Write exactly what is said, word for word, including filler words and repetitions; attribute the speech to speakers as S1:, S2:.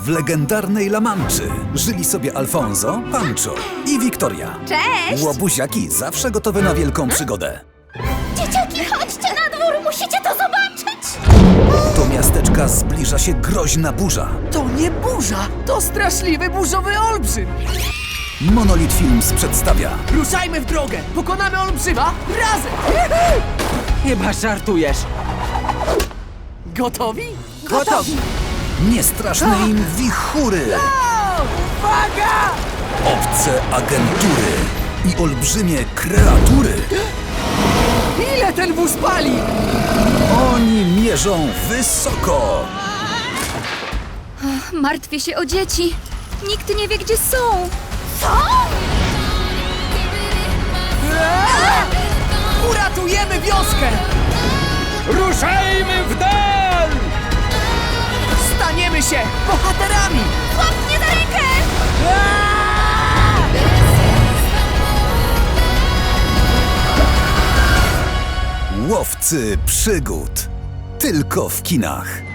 S1: W legendarnej La Manczy żyli sobie Alfonso, Pancho i Wiktoria.
S2: Cześć!
S1: Łobuziaki zawsze gotowe na wielką przygodę.
S2: Dzieciaki, chodźcie na dwór, musicie to zobaczyć!
S1: Do miasteczka zbliża się groźna burza.
S3: To nie burza, to straszliwy burzowy olbrzym!
S1: Monolith Films przedstawia
S3: Ruszajmy w drogę! Pokonamy olbrzyma razem!
S4: Chyba żartujesz.
S3: Gotowi?
S4: Gotowi.
S1: niestraszne im wichury,
S3: Uwaga!
S1: obce agentury i olbrzymie kreatury.
S3: Ile ten wóz pali?
S1: Oni mierzą wysoko.
S2: Martwię się o dzieci. Nikt nie wie, gdzie są. Co?
S3: Uratujemy wioskę!
S4: Ruszajmy w dal!
S3: Staniemy się bohaterami!
S2: Łap mnie za rękę!
S1: Łowcy przygód. Tylko w kinach.